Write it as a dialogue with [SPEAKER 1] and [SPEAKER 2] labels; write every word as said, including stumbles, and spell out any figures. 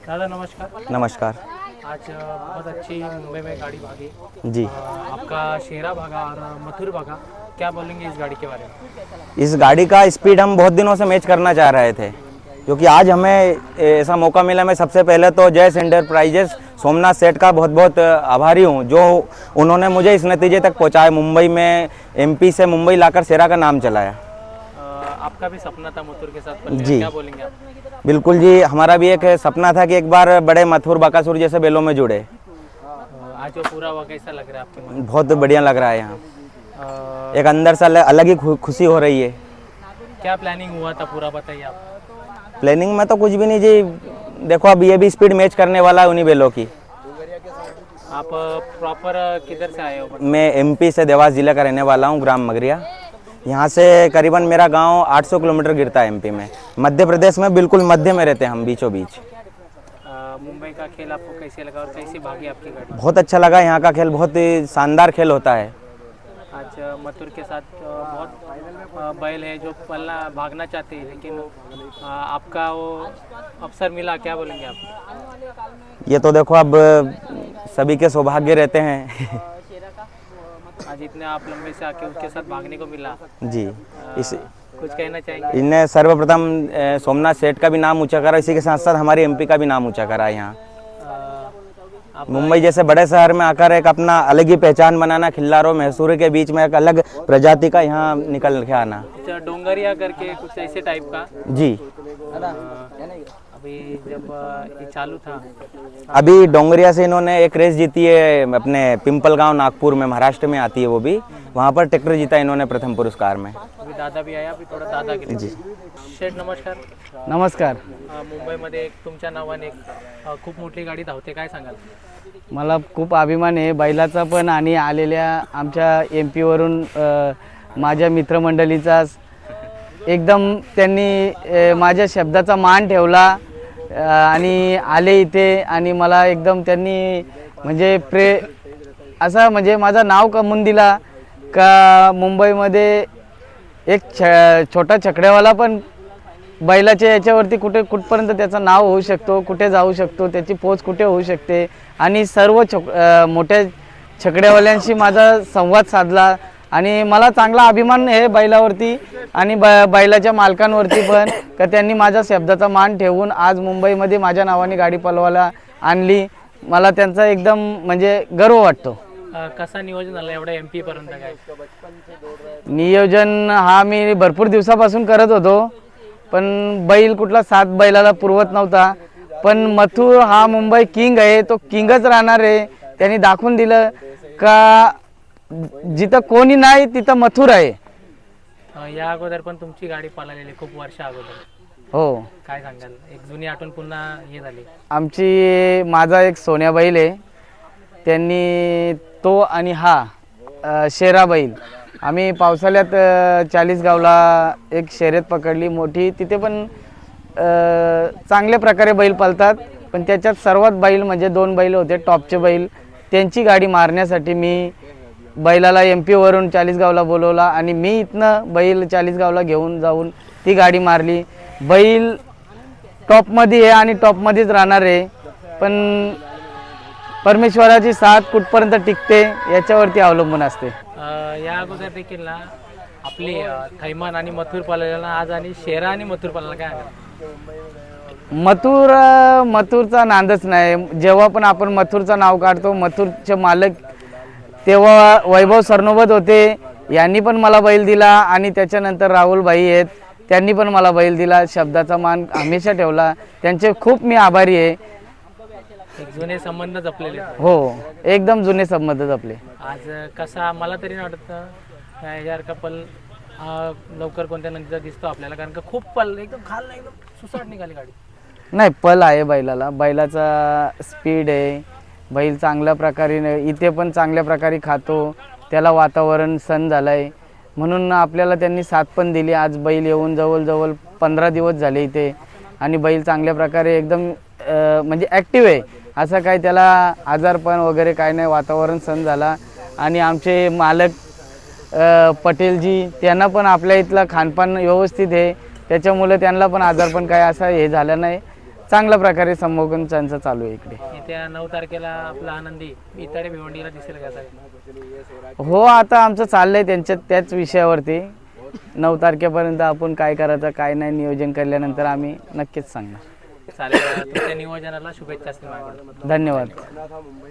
[SPEAKER 1] दादा नमस्कार।
[SPEAKER 2] नमस्कार।
[SPEAKER 1] आज बहुत अच्छी मुंबई में गाड़ी भागी
[SPEAKER 2] जी।
[SPEAKER 1] आपका शेरा भागा और मथुर भागा, क्या बोलेंगे इस गाड़ी के बारे में?
[SPEAKER 2] इस गाड़ी का स्पीड हम बहुत दिनों से मैच करना चाह रहे थे, क्योंकि आज हमें ऐसा मौका मिला। मैं सबसे पहले तो जयस एंटरप्राइजेस सोमनाथ सेठ का बहुत बहुत आभारी हूँ, जो उन्होंने मुझे इस नतीजे तक पहुँचाया। मुंबई में एमपी से मुंबई लाकर शेरा का नाम चलाया।
[SPEAKER 1] आपका भी सपना था मथुर के साथ पलने,
[SPEAKER 2] जी
[SPEAKER 1] क्या बोलेंगे आप?
[SPEAKER 2] बिल्कुल जी, हमारा भी एक सपना था कि एक बार बड़े मथुर बकासुर जैसे बैलों में जुड़े।
[SPEAKER 1] आज जो पूरा हुआ कैसा लग रहा है आपके मन?
[SPEAKER 2] बहुत बढ़िया लग रहा है। यहाँ एक अंदर से अलग ही खुशी हो रही है।
[SPEAKER 1] क्या प्लानिंग हुआ था पूरा बताइए आप?
[SPEAKER 2] प्लानिंग में तो कुछ भी नहीं जी, देखो अब ये भी स्पीड मैच करने वाला है उन्हीं बैलों की।
[SPEAKER 1] आप प्रॉपर किधर से आए हो?
[SPEAKER 2] मैं एमपी से देवास जिले का रहने वाला हूँ, ग्राम मगरिया। यहाँ से करीबन मेरा गांव आठ सौ किलोमीटर गिरता है एमपी में। मध्य प्रदेश में बिल्कुल मध्य में रहते हैं हम, बीचों बीच।
[SPEAKER 1] मुंबई का खेल आपको कैसे लगा और कैसी भागी आपकी गाड़ी?
[SPEAKER 2] बहुत अच्छा लगा। यहाँ का खेल बहुत ही शानदार खेल होता है।
[SPEAKER 1] आज मथुर के साथ बहुत बैल है जो पलना भागना चाहते हैं, लेकिन आपका वो अवसर मिला, क्या बोलेंगे आप?
[SPEAKER 2] ये तो देखो अब सभी के सौभाग्य रहते हैं।
[SPEAKER 1] आज इतने आप लंबे से आके उसके साथ भागने को मिला
[SPEAKER 2] जी। इस
[SPEAKER 1] कुछ कहना चाहेंगे?
[SPEAKER 2] इनने सर्वप्रथम सोमनाथ सेठ का भी नाम ऊंचा करा, इसी के साथ साथ हमारे एमपी का भी नाम ऊंचा करा। यहाँ मुंबई जैसे बड़े शहर में आकर एक अपना अलग ही पहचान बनाना, खिल्लारों मैसूर के बीच में एक अलग प्रजाति का यहाँ निकल के आना।
[SPEAKER 1] अच्छा, डोंगरिया करके कुछ ऐसे टाइप का?
[SPEAKER 2] जी।
[SPEAKER 1] अभी जब ये चालू था,
[SPEAKER 2] अभी डोंगरिया से इन्होंने एक रेस जीती है अपने पिंपल गांव नागपुर में, महाराष्ट्र में आती है वो भी। वहाँ पर ट्रैक्टर जीता इन्होंने प्रथम पुरस्कार में।
[SPEAKER 1] अभी दादा भी आया, अभी थोड़ा दादा के
[SPEAKER 2] जी।
[SPEAKER 1] शेठ नमस्कार।
[SPEAKER 3] नमस्कार।
[SPEAKER 1] मुंबईमध्ये एक तुमच्या नावाने एक खूप मोठी गाडी धावते, काय सांगाल?
[SPEAKER 3] मला खूप अभिमान आहे बैलाचा पण आणि आलेल्या आमच्या एम पीवरून माझ्या मित्रमंडळीचा एकदम त्यांनी माझ्या शब्दाचा मान ठेवला आणि आले इथे आणि मला एकदम त्यांनी म्हणजे प्रे असा म्हणजे माझं नाव कमवून दिला का मुंबईमध्ये एक छ छोटा छकड्यावाला पण बैलाच्या याच्यावरती कुठे कुठपर्यंत त्याचं नाव होऊ शकतो, कुठे जाऊ शकतो, त्याची पोच कुठे होऊ शकते। आणि सर्व छक मोठ्या छकड्यावाल्यांशी माझा संवाद साधला आणि मला चांगला अभिमान आहे बैलावरती आणि बैलाच्या मालकांवरती पण, का त्यांनी माझ्या शब्दाचा मान ठेवून आज मुंबईमध्ये माझ्या नावाने गाडी पलवायला आणली। मला त्यांचा एकदम म्हणजे गर्व वाटतो।
[SPEAKER 1] कसा नियोजन झालं एवढ्या एमपी पर्यंत? काय
[SPEAKER 3] नियोजन हा मी भरपूर दिवसापासून करत होतो, पण बैल कुठला सात बैलाला पुरवत नव्हता। पण मथुर हा मुंबई किंग आहे, तो किंगच राहणार आहे। त्यांनी दाखवून दिलं का जिथं कोणी नाही तिथं मथुर आहे।
[SPEAKER 1] या अगोदर पण तुमची गाडी पळालेली खूप वर्ष अगोदर,
[SPEAKER 3] हो।
[SPEAKER 1] काय सांगाल? एक जुनी आठवण पुन्हा हे झाली
[SPEAKER 3] आमची। माझा एक सोन्या बैल आहे, त्यांनी तो आणि हा शेरा बैल आम्ही पावसाळ्यात चाळीसगावला एक शर्यत पकडली मोठी, तिथे पण चांगल्या प्रकारे बैल पळतात। पण त्याच्यात सर्वात बैल म्हणजे दोन बैल होते टॉपचे बैल, त्यांची गाडी मारण्यासाठी मी बैलाला एम पीवरून चाळीसगावला बोलवला आणि मी इथनं बैल चाळीसगावला घेऊन जाऊन ती गाडी मारली। बैल टॉपमध्ये आहे आणि टॉपमध्येच राहणार आहे, पण परमेश्वराची साथ कुठपर्यंत टिकते याच्यावरती अवलंबून असते।
[SPEAKER 1] या अगोदर देखील ना आपली थैमान आणि मथुर पळालेला आज आणि शेरा आणि मथुर पळाला, काय?
[SPEAKER 3] मथुर मथुरचा नांदच नाही। जेव्हा पण आपण मथुरचं नाव काढतो, मथुरचे मालक तेव्हा वैभव सरनोबत होते, यांनी पण मला बैल दिला आणि त्याच्यानंतर राहुल भाई आहेत, त्यांनी पण मला बैल दिला। शब्दाचा मान हमेशा ठेवला, त्यांचे खूप मी आभारी आहे।
[SPEAKER 1] एक जुने संबंध जपलेले,
[SPEAKER 3] हो एकदम जुने संबंध जपले।
[SPEAKER 1] आज कसा मला तरी वाटतं यार का पल लवकर कोणत्या नंतर दिसतो आपल्याला, कारण का खूप पल एकदम खाल नाही, एकदम सुसाट निघाली गाडी।
[SPEAKER 3] नाही, पल आहे बैलाला, बैलाचा स्पीड आहे, बैल चांगल्या प्रकारे इथे पण चांगल्या प्रकारे खातो, त्याला वातावरण सण झालंय म्हणून आपल्याला त्यांनी साथ पण दिली। आज बैल येऊन जवळजवळ पंधरा दिवस झाले इथे आणि बैल चांगल्या प्रकारे एकदम म्हणजे ॲक्टिव्ह आहे, असं काय त्याला आजारपण वगैरे काय नाही, वातावरण सण झाला। आणि आमचे मालक पटेलजी त्यांना पण आपल्या इथलं खानपान व्यवस्थित आहे, त्याच्यामुळे त्यांना पण आजारपण काय असं हे झालं नाही। चांगल्या प्रकारे संमोगन त्यांचं चालू आहे इकडे.
[SPEAKER 1] येत्या नऊ तारखेला आपला आनंदी इताडे भिवंडीला दिसेल का सर?
[SPEAKER 3] हो, आता आमचं चाललंय त्यांच्या त्याच विषयावरती. नऊ तारखेपर्यंत आपण काय करायचं काय नाही नियोजन केल्यानंतर आम्ही नक्कीच सांगणार.
[SPEAKER 1] चालेल, तुमच्या नियोजनाला शुभेच्छा असतील माझ्याकडून.
[SPEAKER 3] धन्यवाद.